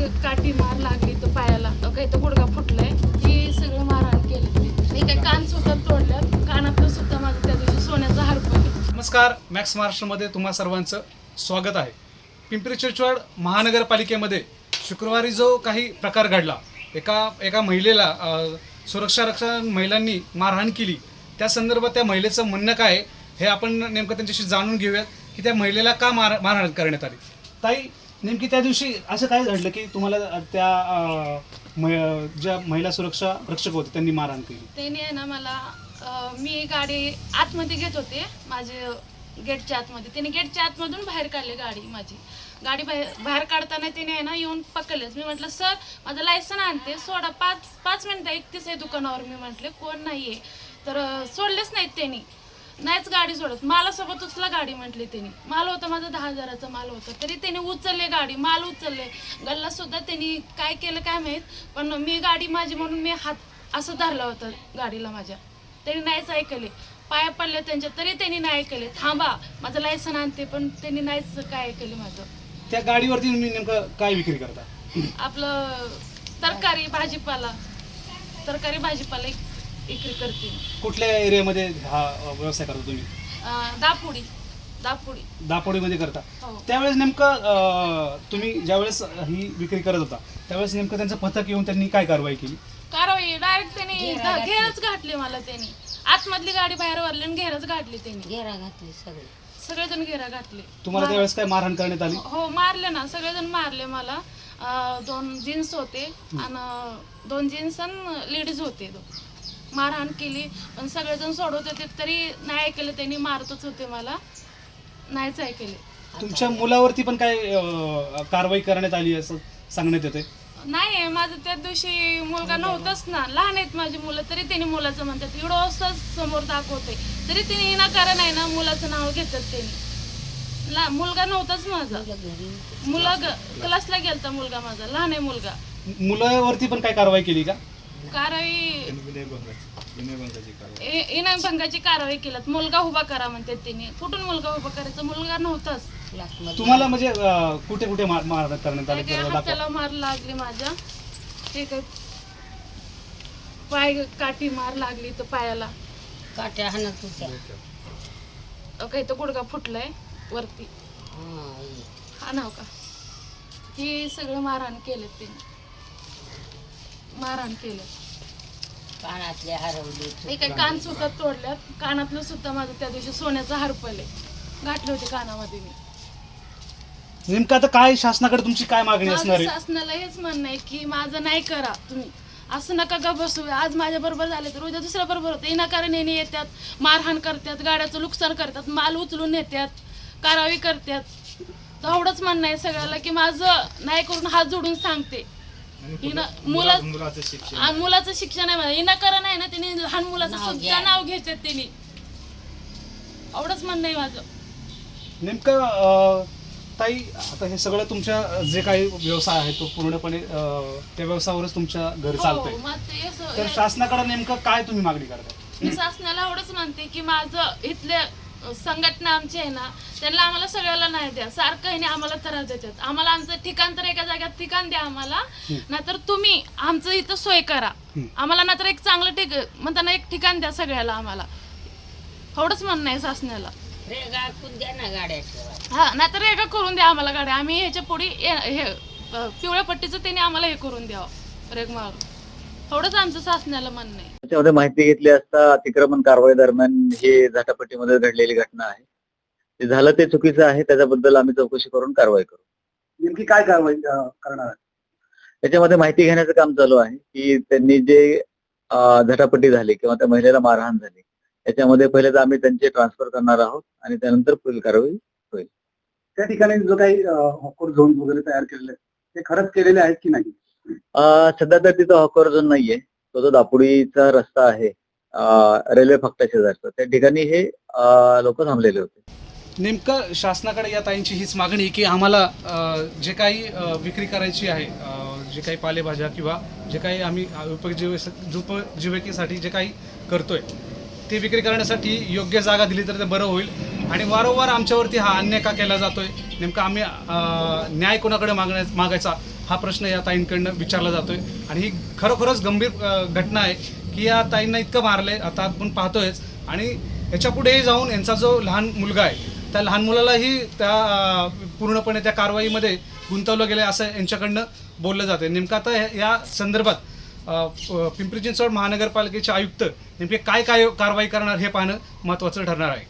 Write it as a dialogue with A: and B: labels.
A: काठी मार लागली तर पायाला, काही तर गुडघा फुटलाय. हे सगळं मारहाण केलं. मी काही कान सुद्धा तोडल्यात, कानातलं सुद्धा माझं त्या दिवशी सोन्याचा हार पडला.
B: नमस्कार, मॅक्स महाराष्ट्रामध्ये तुम्हा सर्वांचं स्वागत आहे. पिंपरी चिंचवड महानगरपालिकेमध्ये शुक्रवारी जो काही प्रकार घडला, एका महिलेला सुरक्षा रक्षक महिलांनी मारहाण केली, त्या संदर्भात त्या महिलेचं म्हणणं काय आहे हे आपण नेमकं त्यांच्याशी जाणून घेऊयात की त्या महिलेला का मारहाण करण्यात आली. ताई, नेमकी त्या दिवशी असं काय घडलं की तुम्हाला त्या ज्या महिला सुरक्षा रक्षक होते त्यांनी मारहाण केली?
A: त्याने आहे ना मला, मी गाडी आतमध्ये घेत होते, माझे गेटच्या आतमध्ये. त्याने गेटच्या आतमधून बाहेर काढले गाडी. गाडी बाहेर काढताना त्याने आहे ना येऊन पकडलेच. मी म्हटलं, सर माझं लायसन आणते, सोडा, 5 मिनिटं एकटीच आहे दुकानावर. मी म्हटले कोण नाही आहे, तर सोडलेच नाहीत त्यांनी. नाहीच गाडी सोडत. मालासोबत उचला गाडी म्हटली त्यांनी. माल होता माझा 10,000चा माल होता, तरी त्यांनी उचलले गाडी, माल उचलले. गल्लासुद्धा त्यांनी काय केलं काय माहीत, पण मी गाडी माझी म्हणून मी हात असं धरला होता गाडीला माझ्या. त्यांनी नाहीच ऐकले. पाया पडले त्यांच्या, तरी त्यांनी नाही ऐकले. थांबा माझं लायसन आणते, पण त्यांनी नाहीच काय ऐकले माझं.
B: त्या गाडीवरती तुम्ही नेमकं काय विक्री करता?
A: आपलं तरकारी भाजीपाला विक्री करते.
B: कुठल्या एरियामध्ये हा व्यवसाय करता तुम्ही? दापोडीमध्ये करता.
A: हो.
B: त्यावेळेस नेमकं तुम्ही ज्यावेळेस ही विक्री करत होता त्यावेळेस नेमकं त्यांचं पथक येऊन त्यांनी काय कारवाई केली?
A: डायरेक्ट त्यांनी घेरच घातली मला. त्यांनी आतमधली गाडी बाहेर वरली आणि घेरच घातली. त्यांनी
C: घेरा घातली,
A: सगळेजण घेरा घातले.
B: तुम्हाला त्यावेळेस काय मारहाण करण्यात आली?
A: हो, मारले ना, सगळेजण मारले मला. 2 जीन्स होते आणि 2 जीन्स आणि लेडीज होते. मारहाण केली, पण सगळेजण सोडवत होते तरी नाही ऐकले. त्यांनी मारतच होते मला, नाहीच ऐकले.
B: तुमच्या मुलावरती पण काय कारवाई करण्यात आली असं सांगण्यात येते?
A: नाही, माझं त्या दिवशी मुलगा नव्हताच ना, लहान आहेत माझी मुलं, तरी त्यांनी मुलाचं म्हणतात. एवढं असं समोर दाखवते तरी त्यांनी विनाकारण आहे ना मुलाचं नाव घेतात. त्यांनी मुलगा नव्हताच माझा, क्लासला गेलता मुलगा माझा, लहान आहे मुलगा.
B: मुलावरती पण काय कारवाई केली का?
A: इनामभंगाची कारवाई केल्यात. मुलगा उभा करा म्हणतात त्यांनी. कुठून मुलगा उभा करायचा? मुलगा नव्हताच.
B: तुम्हाला म्हणजे कुठे कुठे मारहाण करण्यात आली?
A: हाताला मार लागली माझ्या, ते काय पाय काठी मार लागली तर पायाला,
C: काट्या हाणत होत्या.
A: काही तर गुडघा फुटलाय वरती. हा नाव का, हे सगळं मारहाण केलं. त्यांनी मारहाण केलं.
C: कानातले हरवले.
A: हे काही कान सुद्धा तोडल्यात, कानातलं सुद्धा माझं त्या दिवशी सोन्याचा हार पडले, घातले होते कानामध्ये मी.
B: नेमकं आता काय शासनाकडे तुमची काय मागणी असणार आहे?
A: शासनाला हेच म्हणणं आहे की माझं नाही करा तुम्ही, असं नका का बसू. आज माझ्या बरोबर झाले तर उद्या दुसऱ्या बरोबर होतं. विनाकारण येणे येतात, मारहाण करतात, गाड्याचं नुकसान करतात, माल उचलून नेतात, कारवाई करतात. तर एवढंच म्हणणं आहे सगळ्याला की माझं नाही करून हात जोडून सांगते. मुलाचं शिक्षण आहे माझं, विनाकारण आहे ना. त्यांनी लहान मुलाचं सुद्धा नाव घेतात त्यांनी. एवढंच म्हणणं आहे माझं.
B: नेमकं ताई, आता हे सगळं तुमच्या जे काही व्यवसाय आहे तो पूर्णपणे त्या व्यवसायावरच तुमच्या घर चालतंय, तर शासनाकडे नेमकं काय तुम्ही मागणी करता?
A: मी शासनाला एवढंच म्हणते की माझं इथले संघटना आमची आहे ना, त्यांना आम्हाला सगळ्याला नाही द्या. सारखं आहे आम्हाला त्रास देतात. आम्हाला आमचं ठिकाण तर एका जागेत ठिकाण द्या आम्हाला, नाहीतर तुम्ही आमचं इथं सोय करा आम्हाला, नाहीतर एक चांगलं म्हणताना एक ठिकाण द्या सगळ्याला आम्हाला. एवढंच म्हणणं आहे शासनाला.
C: द्या ना गाड्या.
A: हा, नाहीतर रेगा करून द्या आम्हाला गाड्या. आम्ही ह्याच्या पुढे हे पिवळ्या पट्टीचं त्यांनी आम्हाला हे करून द्यावं, रेग मारून. एवढंच आमचं शासनाला म्हणणं आहे.
D: त्याच्यामध्ये माहिती घेतली असता अतिक्रमण कारवाई दरम्यान हे झाटापट्टीमध्ये घडलेली घटना आहे. ते झालं ते चुकीचं आहे, त्याच्याबद्दल आम्ही चौकशी करून कारवाई करू.
B: नेमकी काय कारवाई करणार?
D: त्याच्यामध्ये माहिती घेण्याचं काम चालू आहे की त्यांनी जे झटापट्टी झाली किंवा त्या महिलेला मारहाण झाली त्याच्यामध्ये पहिले तर आम्ही त्यांचे ट्रान्सफर करणार आहोत आणि त्यानंतर पुढील कारवाई होईल.
B: त्या ठिकाणी जो काही हॉकर झोन वगैरे तयार केलेले ते खरंच केलेले आहेत की नाही?
D: सध्या तर तिथं हॉकर झोन नाहीये. तो जो दापोडीचा रस्ता आहे रेल्वे फाटा शेजारचा, त्या ठिकाणी हे लोक थांबलेले होते.
B: नेमकं शासनाकडे या ताईंची हीच मागणी की आम्हाला जे काही विक्री करायची आहे, जे काही पालेभाज्या किंवा जे काही आम्ही उपजीविकेसाठी जे काही करतोय ते विक्री करण्यासाठी योग्य जागा दिली तर ते बरं होईल. आणि वारंवार आमच्यावरती हा अन्याय का केला जातोय नेमका आम्ही न्याय कोणाकडे मागायचा हा प्रश्न या ताईंकडनं विचारला जातोय. आणि ही खरोखरच गंभीर घटना आहे की या ताईंना इतकं मारले आता आपण पाहतोयच. आणि याच्या पुढेही जाऊन यांचा जो लहान मुलगा आहे त्या लहान मुलालाही त्या पूर्णपणे त्या कारवाईमध्ये गुंतवलं गेलं असं यांच्याकडनं बोललं जातं. नेमकं आता या संदर्भात पिंपरी चिंचवड महानगरपालिकेचे आयुक्त नेमके काय कारवाई करणार हे पाहणं महत्त्वाचं ठरणार आहे.